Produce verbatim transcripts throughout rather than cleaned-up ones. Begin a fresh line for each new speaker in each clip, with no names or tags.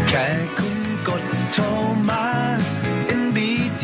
แค่คุณกดโทรมา เอ็น บี ที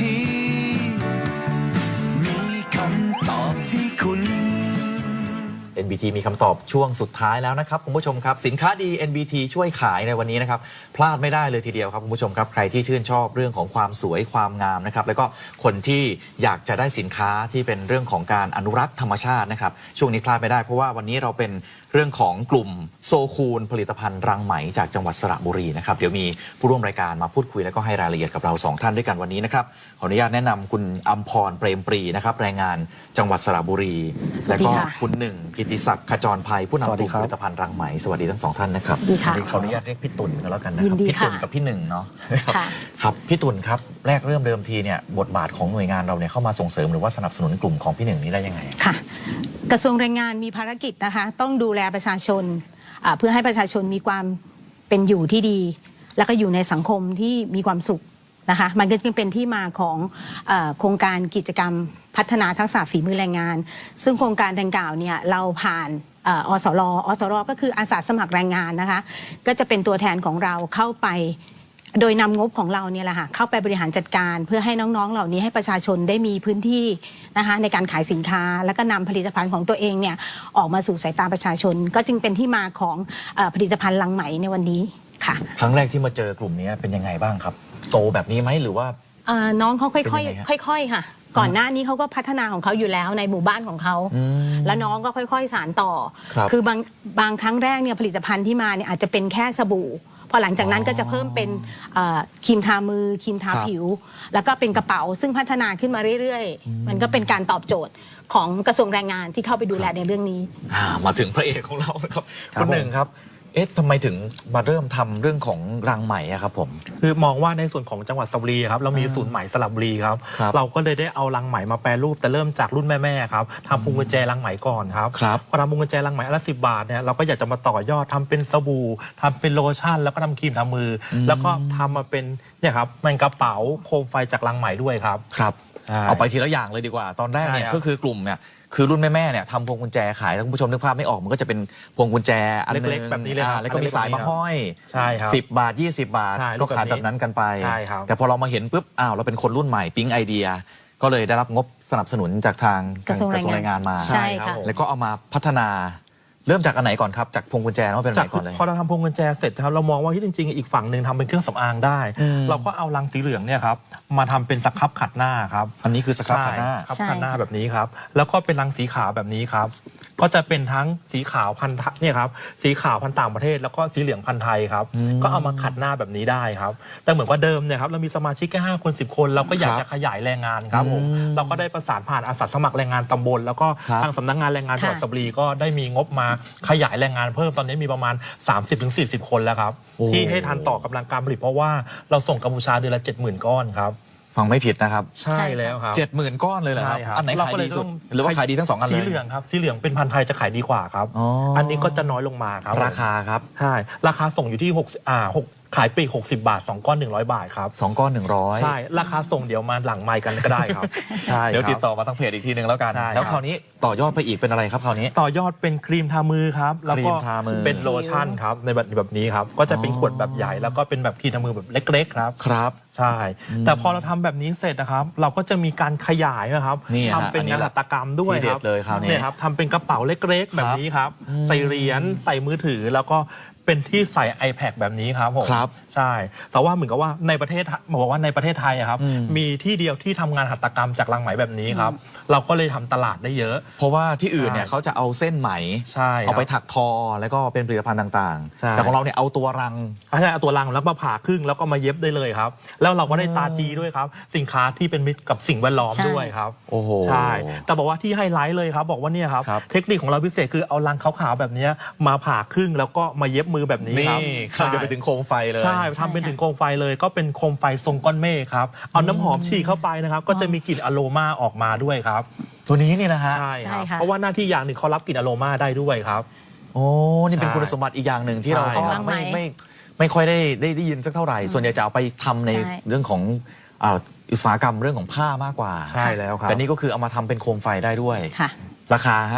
มีคำตอบให้คุณ
เอ็น บี ที มีคำตอบช่วงสุดท้ายแล้วนะครับคุณผู้ชมครับสินค้าดี เอ็น บี ที ช่วยขายในวันนี้นะครับพลาดไม่ได้เลยทีเดียวครับคุณผู้ชมครับใครที่ชื่นชอบเรื่องของความสวยความงามนะครับแล้วก็คนที่อยากจะได้สินค้าที่เป็นเรื่องของการอนุรักษ์ธรรมชาตินะครับช่วงนี้พลาดไม่ได้เพราะว่าวันนี้เราเป็นเรื่องของกลุ่มโซคูลผลิตภัณฑ์รังไหมจากจังหวัดสระบุรีนะครับเดี๋ยวมีผู้ร่วมรายการมาพูดคุยแล้วก็ให้รายละเอียดกับเราสองท่านด้วยกันวันนี้นะครับขออนุญาตแนะนำคุณอัมพรเปรมปรีนะครับแรงงานจังหวัดสระบุรีและก็คุณหนึ่งกิติศักดิ์ขจรภัยผู้นำกลุ่มผลิตภัณฑ์รังไหมสวัสดีทั้งสองท่านนะครับขออนุญาตเรียกพี่ตุ่นก็แล้วกันนะครับพี่ตุ่นกับพี่หนึ่งเนาะครับพี่ตุ่นครับแรกเริ่มเดิมทีเนี่ยบทบาทของหน่วยงานเราเนี่ยเข้ามาส่งเสริมหรือว่าสนับสนุนกลุ่มของพี่หนึ่งนี้ได้ยังไง
ค่ะกระทรวงแรงงานมีภารกิจนะคะต้องดูแลประชาชนเพื่อให้ประชาชนมีความเป็นอยู่ที่ดีแล้วก็อยู่ในสังคมที่มีความสุขนะคะมันก็จึงเป็นที่มาของเอ่อโครงการกิจกรรมพัฒนาทักษะฝีมือแรงงานซึ่งโครงการดังกล่าวเนี่ยเราผ่านอสรอสรก็คืออาสาสมัครแรงงานนะคะก็จะเป็นตัวแทนของเราเข้าไปโดยนำงบของเราเนี่ยแหละค่ะเข้าไปบริหารจัดการเพื่อให้น้องๆเหล่านี้ให้ประชาชนได้มีพื้นที่นะคะในการขายสินค้าแล้วก็นำผลิตภัณฑ์ของตัวเองเนี่ยออกมาสู่สายตาประชาชนก็จึงเป็นที่มาของผลิตภัณฑ์ลังไหมในวันนี้ค่ะ
ครั้งแรกที่มาเจอกลุ่มนี้เป็นยังไงบ้างครับโตแบบนี้ไหมหรือว่า
น้องเขาค่อยๆค่อยๆค่ะก่อนหน้านี้เขาก็พัฒนาของเขาอยู่แล้วในหมู่บ้านของเขาแล้วน้องก็ค่อยๆสานต่อคือบางบางครั้งแรกเนี่ยผลิตภัณฑ์ที่มาเนี่ยอาจจะเป็นแค่สบู่พอหลังจากนั้นก็จะเพิ่มเป็นครีมทามือครีมทาผิวแล้วก็เป็นกระเป๋าซึ่งพัฒนาขึ้นมาเรื่อยๆมันก็เป็นการตอบโจทย์ของกระทรวงแรงงานที่เข้าไปดูแลในเรื่องนี้
มาถึงพระเอกของเราครับคนหนึ่งครับเอ๊ะทำไมถึงมาเริ่มทำเรื่องของรังไหมอะครับผม
คือมองว่าในส่วนของจังหวัดสระบุรีครับเรามีศูนย์ไหมสระบุรีครับเราก็เลยได้เอารังไหมมาแปรรูปแต่เริ่มจากรุ่นแม่ๆครับทำพวงกุญแจรังไหมก่อนครับพอทำพวงกุญแจรังไหมละสิบบาทเนี่ยเราก็อยากจะมาต่อยอดทำเป็นสบู่ทำเป็นโลชั่นแล้วก็ทำครีมทามือแล้วก็ทำมาเป็นเนี่ยครับมันกระเป๋าโคมไฟจากรังไหมด้วยครับ
ครับเอาไปทีละอย่างเลยดีกว่าตอนแรกเนี่ยก็คือกลุ่มเนี่ยคือรุ่นแม่ๆเนี่ยทำพวงกุญแจขายท่านผู้ชมนึกภาพไม่ออกมันก็จะเป็นพวงกุญแจอันนึง
แบบนี้เลย
แล้วก็มีสายมาห้อย
ใช่ครับ
สิบบาทยี่สิบบาทก็ขายแบบนั้นกันไปแต่พอเรามาเห็นปุ๊บอ้าวเราเป็นคนรุ่นใหม่ปิ๊งไอเดียก็เลยได้รับงบสนับสนุนจากทาง
กระทรวงแรงงาน
มา
ใช่ค่ะ
แล้วก็เอามาพัฒนาเริ่มจากอันไหนก่อนครับจากพวงกุญแจว่าเป็นอะไรก่อนเลย
พอเราทำพวงกุญแจเสร็จครับเรามองว่าที่จริงๆอีกฝั่งหนึ่งทำเป็นเครื่องสำอางได้เราก็เอารังสีเหลืองเนี่ยครับมาทำเป็นสครับขัดหน้าครับ
อันนี้คือสครับขัดหน้า
ครับขัดหน้าแบบนี้ครับแล้วก็เป็นรังสีขาวแบบนี้ครับก็จะเป็นทั้งสีขาวพันธุ์เนี่ยครับสีขาวพันธุ์ต่างประเทศแล้วก็สีเหลืองพันธุ์ไทยครับก็เอามาขัดหน้าแบบนี้ได้ครับแต่เหมือนว่าเดิมเนี่ยครับเรามีสมาชิกแค่ห้าคนสิบคนเราก็อยากจะขยายแรงงานครับผมเราก็ได้ประสานผ่านอาสาสมัครแรงงานตำบลแล้วก็ทางสำนักงานแรงงานจังหวัดสระบุรีก็ได้มีงบมาขยายแรงงานเพิ่มตอนนี้มีประมาณ สามสิบถึงสี่สิบ คนแล้วครับที่ให้ทันต่อกำลังการผลิตเพราะว่าเราส่งกัมพูชาเดือนละ เจ็ดหมื่น ก้อนครับ
ฟังไม่ผิดนะครับ
ใช่แล้วครับ
เจ็ดหมื่นก้อนเลยเหรอครับอันไหนขายดีสุดหรือว่าขายดีทั้งสองอันเลย
สีเหลืองครับสีเหลืองเป็นพันธุ์ไทยจะขายดีกว่าครับอันนี้ก็จะน้อยลงมาครับ
ราคาครับ
ใช่ราคาส่งอยู่ที่หกอ่าหกขายปลีกหกสิบบาทสองก้อนหนึ่งร้อยบาทครับ
สองก้อนหนึ่งร้อย
ใช่ราคาส่งเดี๋ยวมาหลังไมค์กันก็ได้ครับใช่
เดี๋ยวติดต่อมาทางเพจอีกทีนึงแล้วกันแล้วคราวนี้ต่อยอดไปอีกเป็นอะไรครับคราวนี้
ต่อยอดเป็นครีมทามือครับแล้วก็เป็นโลชั่นครับในแบบแบบนี้ครับก็จะเป็นขวดแบบใหญ่แล้วก็เป็นแบบครีมทามือแบบเล็กๆครับ
ครับ
ใช่แต่พอเราทำแบบนี้เสร็จนะครับเราก็จะมีการขยายนะครับทำเป็นงานหัตถกรรมด้วยครับเนี่ยครับทำเป็นกระเป๋าเล็กๆแบบนี้ครับใส่เหรียญใส่มือถือแล้วก็เป็นที่ใส่ iPad แบบนี้ครับผมใช่แต่ว่าเหมือนกับว่าในประเทศบอกว่าในประเทศไทยครับมีที่เดียวที่ทำงานหัตถกรรมจากรังไหมแบบนี้ครับเราก็เลยทำตลาดได้เยอะ
เพราะว่าที่อื่นเนี่ยเขาจะเอาเส้นไหมเอาไปถักทอแล้วก็เป็นผลิตภัณฑ์ต่างๆแต่ของเราเนี่ยเอาตัวรัง
ใช่เอาตัวรังแล้วมาผ่าครึ่งแล้วก็มาเย็บได้เลยครับแล้วเราก็ได้ตาจีด้วยครับสินค้าที่เป็นมิตรกับสิ่งแวดล้อมด้วยครับ
โอ้โห
ใช่แต่บอกว่าที่ไฮไลท์เลยครับบอกว่าเนี่ยครับเทคนิคของเราพิเศษคือเอารังขาวๆแบบนี้มาผ่าครึ่งแล้วก็มาเย็บมือแบบนี้ครับ
ข้าจะไปถึงโคมไฟเลย
ใช่ทำเป็นถึงโคมไฟเลยก็เป็นโคมไฟทรงก้อนเมฆครับเอาน้ำหอมฉีดเข้าไปนะครับก็จะมีกลิ่นอโรมาออกมาด้วยครับ
ตัวนี้นี่นะฮะ
ใช่ครับเพราะว่าหน้าที่อย่างหนึ่งเขารับกลิ่นอโรมาได้ด้วยครับ
โอ้นี่เป็นคุณสมบัติอีกอย่างหนึ่งที่เราไม่ไม่ไม่ค่อยได้ได้ยินสักเท่าไหร่ส่วนใหญ่จะเอาไปทำในเรื่องของอุตสาหกรรมเรื่องของผ้ามากกว่า
ใช่แล้วครับ
แต่นี่ก็คือเอามาทำเป็นโคมไฟได้ด้วยราคาฮะ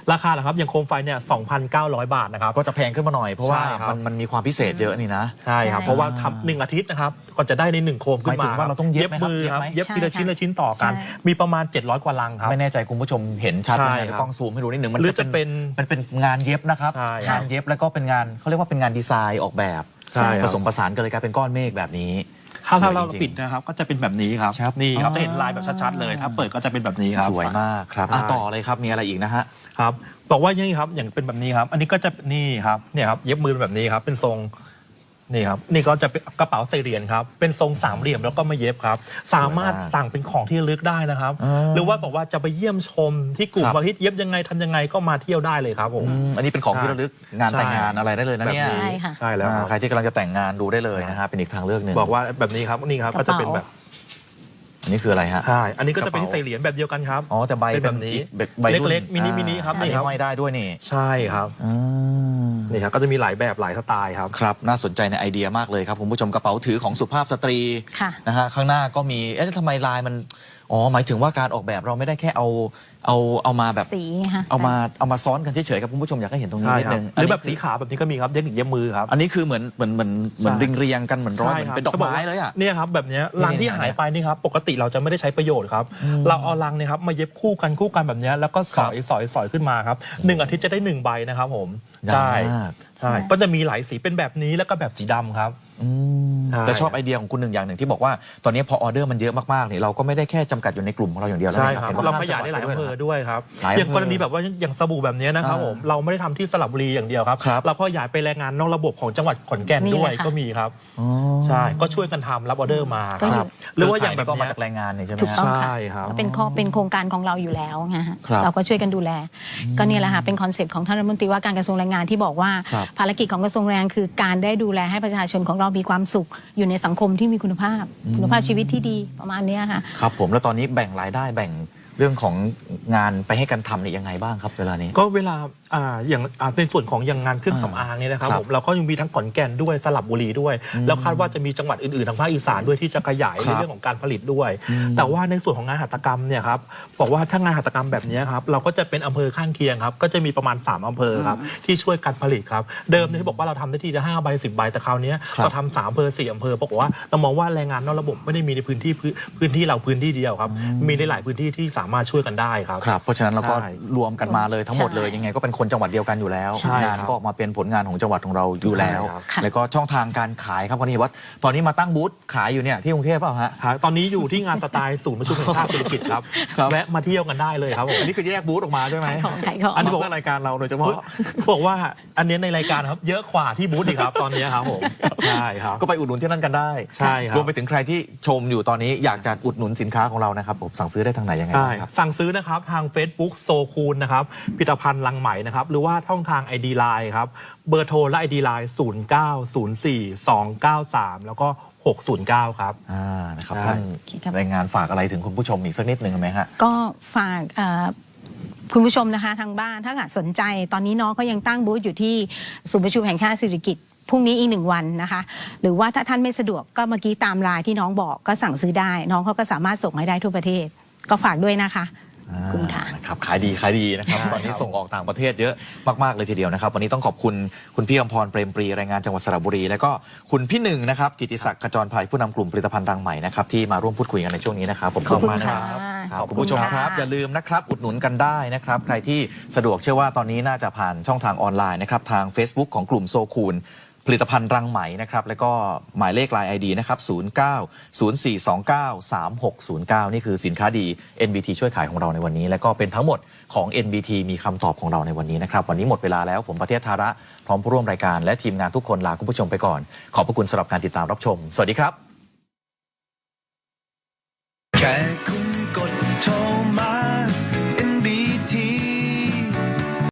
ราคาเหรอครับอย่างโคมไฟเนี่ย สองพันเก้าร้อย บาทนะครับ
ก็จะแพงขึ้นมาหน่อยเพราะว่า
ใช่ครับ
มันมันมีความพิเศษเยอะนี่นะ
ใช่ครับ
ใช่
เพราะว่าทำหนึ่งอาทิตย์นะครับก่อนจะได้ในหนึ่งโคมขึ้น
หมายถึ
มาง
ว่าเราต้องเย็บไหมครับ
มือครับ
เย็
เย็
บบ ไหม
ทีละชิ้นละชิ้นต่อกัน
ใช่
มีประมาณเจ็ดร้อยกว่าลังครับ
ไม่แน่ใจคุณผู้ชมเห็นชัดไหม
ใช่
ใน
ครับ
กล้องซูมให้ดูนิดหนึ่งมัน
หรือจะเป็น
มันเป็นงานเย็บนะครับ
ใช่ครับ
งานเย็บแล้วก็เป็นงานเขาเรียกว่าเป็นงานดีไซน์ออกแบบ
ใช่ครับ
ผสมผสานกันเลยกลายเป็นก้อนเมฆแบบนี้
ถ้า
สวย
เรา
จงๆ
ปิดนะครับก็จะเป็นแบบนี้ครับ
ครับ
นี่ครับ
อ๋อ
จะเห็นลายแบบชัดๆเลยถ้าเปิดก็จะเป็นแบบนี้ครับ
สวยมากครับอ่ะ
ใช่
ต่อเลยครับมีอะไรอีกนะฮะ
ครับบอกว่าอย่างนี้ครับอย่างเป็นแบบนี้ครับ อันนี้ก็จะนี่ครับเนี่ยครับเย็บมือแบบนี้ครับเป็นทรงนี่ครับนี่ก็จะเป็นกระเป๋าใส่เหรียญครับเป็นทรงสามเหลี่ยมแล้วก็มาเย็บครับ สามารถสั่งเป็นของที่ระลึกได้นะครับ
อ่า
หรือว่าบอกว่าจะไปเยี่ยมชมที่กลุ่ม
ครับ
ว่าเฮ้ยเย็บยังไงทำยังไงก็มาเที่ยวได้เลยครับผม
อืมอันนี้เป็นของที่ระลึกงานแต่งงานอะไรได้เลยนะเนี่ย
ใช่ค่ะ
ใช่แล้วค
อ่า
รับ
ใครที่กำลังจะแต่งงานดูได้เลยนะฮะเป็นอีกทางเลือกหนึ่ง
บอกว่าแบบนี้ครับนี่ครับ
กระ
ก็
เป๋า
จะเป็นแบบ
อันนี้คืออะไรฮะ
ใช่อันนี้ก็จะเป็น
กระเป๋า
ใส่เหรียญแบบเดียวกันครับ
อ๋อแต่ใบ
เป็นแบบนี้
อีกแบบใบรุ่น
เล็กๆมินิมินิครับ
อัน
นี่
นี้
ครับ
ห้อยได้ด้วยนี่
ใช่ครับ
อ่า
นี่ครับก็จะมีหลายแบบหลายสไตล์ครับ
ครับน่าสนใจในไอเดียมากเลยครับคุณผู้ชมกระเป๋าถือของสุภาพสตรี
ค่ะ
นะฮะข้างหน้าก็มีเอ๊ะทำไมลายมันอ๋อหมายถึงว่าการออกแบบเราไม่ได้แค่เอาเอาเอามาแบบ
สีค่ะ
เอามาเอามาซ้อนกันเฉยๆครับคุณผู้ชมอยากให้เห็นตรงนี้
ใช่
นิด
ครับ
นึง
หรือแบบ
น
สี
นี้คื
ขาวแบบนี้ก็มีครับเทคนิคเย็บมือครับ
อันนี้คือเหมือนเหมือนเหมือนเหมือน
ใช่
ริงเรียงกันเหมือนร้อยเหมือน
ครับ
เป็นดอกไม้เลยอ่ะ
เนี่ยครับแบบเนี้ยรังที่
นี่ๆ
หายไปนี่ครับปกติเราจะไม่ได้ใช้ประโยชน์ครับเราเอารังเนี่ยครับมาเย็บคู่กันคู่กันแบบเนี้ยแล้วก็สอยสอยสอยขึ้นมาครับหนึ่งอาทิตย์จะได้หนึ่งใบนะครับผม
ได้
ใช่
มาก
ใช่ก็จะมีหลายสีเป็นแบบนี้แล้วก็แบบสีดำครับ
อืม
ใช่
แต่ชอบไอเดียของคุณหนึ่งอย่างหนึ่งที่บอกว่าตอนนี้พอออเดอร์มันเยอะมากๆเนี่ยเราก็ไม่ได้แค่จำกัดอยู่ในกลุ่มของเราอย่างเดียวแล้ว
ใช่
นะครับ เห็นว่
เรา
ข้ม
ขยายได้หลาย
จัง
อำ
วั
เภ
ด
อ
ด้
ด้
ว
วย ยครับ
หลายอำเภอ
อย่างกรณีแบบว่าอย่างสบู่แบบเนี้ยนะครับ
อ่า
ผมเราไม่ได้ทำที่สระบุรีอย่างเดียวครับ
ครับ
เราก็ขยายไปแรงงานนอกระบบของจังหวัดขอนแก่น
นี่
ด้วย
แหละค่ะ
ก็มีครับ
อ๋อ
ใช่ก็ช่วยกันทำรับออเดอร์มา
ก็
ค
อยู่
รับหรือว่าอย่างแบบ
ก็
เนี้
มาย จากแรงงานเนี่ยใช่ไหม
ถูกต้อง
ฮะ
ใช่
ค่ะ
ครับ
เป็นข้อเป็นโครงการของเราอยู่แล้วไงฮะ
ครับ
เราก็ช่วยกันดูแล ก็เนี่ยแหละค่ะเป็นคอนเซปต์ของท่านรัฐมนตรีว่าการกระทรวงแรงงานที่บอกว่า
ครับ
ภารกิจของกระทรวงแรงงานคือการได้ดูแลให้ประชาชนของเรามีความสุขอยู่ในสังคมที่มีคุณภาพ คุณภาพชีวิตที่ดีประมาณเนี้ยค่ะ
ครับผมแล้วตอนนี้แบ่งรายได้แบ่งเรื่องของงานไปให้กันทำเนี่ยยังไงบ้างครับเวลานี้
ก็เวลาอ่าอย่างอ่าในส่วนของอย่างงานเครื่องสำอางเนี่ยนะครับ
ครับ
ผมเราก็ยังมีทั้งขอนแก่นด้วยสลับบุรีด้วย แล้วคาดว่าจะมีจังหวัดอื่นๆทางภาคอีสานด้วยที่จะขยาย
ครั
ใน
บ
เรื่องของการผลิตด้วย แต่ว่าในส่วนของงานหัตถกรรมเนี่ยครับบอกว่าถ้างานหัตถกรรมแบบเนี้ยครับเราก็จะเป็นอำเภอข้างเคียงครับก็จะมีประมาณสามอำเภอครับที่ช่วยกันผลิตครับเดิมเนี่ยที่บอกว่าเราทำได้ทีละห้าใบสิบใบแต่คราวเนี้ย
ครับ
เราทำสามอำเภอสี่อำเภอบอกว่าเรามองว่าแรงงานนอกระบบไม่ได้มีในพื้นที่พื้นพื้นที่เราพื้นที่เดียวครับมีในหลายพื้นที่ที่สามารถช่วยกันได้ครับ
ครับเพราะฉะนั้นเราก็
ใช่
รวมกันมาเลยทั้งหมดเลย
ใช่
ยังไงก็เป็นคนจังหวัดเดียวกันอยู่แล้ว
ใช่
งาน
ครับ
ก็ออกมาเป็นผลงานของจังหวัดของเราอยู่แล้ว
ใช่ครับ
ค่ะ
แล้วก็ช่องทางการขายครับวันนี้ว่าตอนนี้มาตั้งบูธขายอยู่เนี่ยที่กรุงเทพเปล่าฮะ
ครับตอนนี้อยู่ที่งานสไตล์ศูนย์ประชุมแห่งชาติเศรษฐกิจครับ
ครับ
แวะมาเที่ยวกันได้เลยครับผม
อันนี้คือแยกบูธออกมาใช่ไหม
ขายของขายของ
อันนี้บอกว่ารายการเราโดยเฉพาะ
บอกว่าอันนี้ในรายการครับเยอะกว่าที่บูธอีกครับตอนนี้ครับผมใช่ครับ
ก็ไปอุดหนุนที่นั่นกันได้
ใช่ครับ
รวมไปถึงใครที่ชมอยู่ตอนนี้อยากจะอุดหนุนสินค้าของเรานะครับผมสั่งซื้อได้ทางไหนยังไง
ใช่
บ้างครับ
สั่งซื้อนะครับทาง Facebook โซคูนนะครับผลิตภัณฑ์ลังไหมนะครับหรือว่าช่องทาง ไอ ดี Line ครับเบอร์โทรและ ไอ ดี Line ศูนย์ เก้า ศูนย์ สี่ สอง เก้า สาม แล้วก็ หก ศูนย์ เก้า ครับ
อ่านะครับ
ใช่
ท่าน
โอเคครับ
รายงานฝากอะไรถึงคุณผู้ชมอีกสักนิดหนึ่งไหมฮะ
ก็ฝากเอ่อคุณผู้ชมนะคะทางบ้านถ้าหากสนใจตอนนี้น้องก็ยังตั้งบูธอยู่ที่ศูนย์ประชุมแห่งชาติเศรษฐกิจพรุ่งนี้อีกหนึ่งวันนะคะ หรือว่าถ้าท่านไม่สะดวกก็เมื่อกี้ตามไลน์ที่น้องบอกก็สั่งซื้อได้ น้องเขาก็สามารถส่งให้ได้ทั่วประเทศ ก็ฝากด้วยนะคะขอบคุณค่ะ
นะครับขายดีขายดีนะครับ
ใช่
ตอนนี้
ครับ
ส่งออกต่างประเทศเยอะมากๆเลยทีเดียวนะครับ วันนี้ต้องขอบคุณคุณพี่อมพรเปรมปรีแรงงานจังหวัดสระบุรี แล้วก็คุณพี่หนึ่งนะครับกิติศักดิ์ขจรภัยผู้นำกลุ่มผลิตภัณฑ์รังใหม่นะครับที่มาร่วมพูดคุยกันในช่วงนี้นะครับผม
ขอบคุณ
มากนะ
ค่ะ
ครับ
ขอบคุณ
คุณผู้ชมครับ
ค่ะ
อย่าลืมนะครับอุดหนุนกันได้นะครับใครที่สะดวกเชื่อว่าตอนนี้น่าจะผ่านช่องทางออนไลน์นะครับทาง Facebook ของกลุ่มโซคูนผลิตภัณฑ์รังไหมนะครับแล้วก็หมายเลข ไลน์ ไอ ดี นะครับศูนย์ เก้า ศูนย์ สี่ สอง เก้า สาม หก ศูนย์ เก้า นี่คือสินค้าดี เอ็น บี ที ช่วยขายของเราในวันนี้ และก็เป็นทั้งหมดของ เอ็น บี ที มีคำตอบของเราในวันนี้นะครับวันนี้หมดเวลาแล้วผมประเทศธาระพร้อมผู้ร่วมรายการและทีมงานทุกคนลาคุณผู้ชมไปก่อนขอบพระคุณสำหรับการติดตามรับชมสวัสดีครับ
แค่ค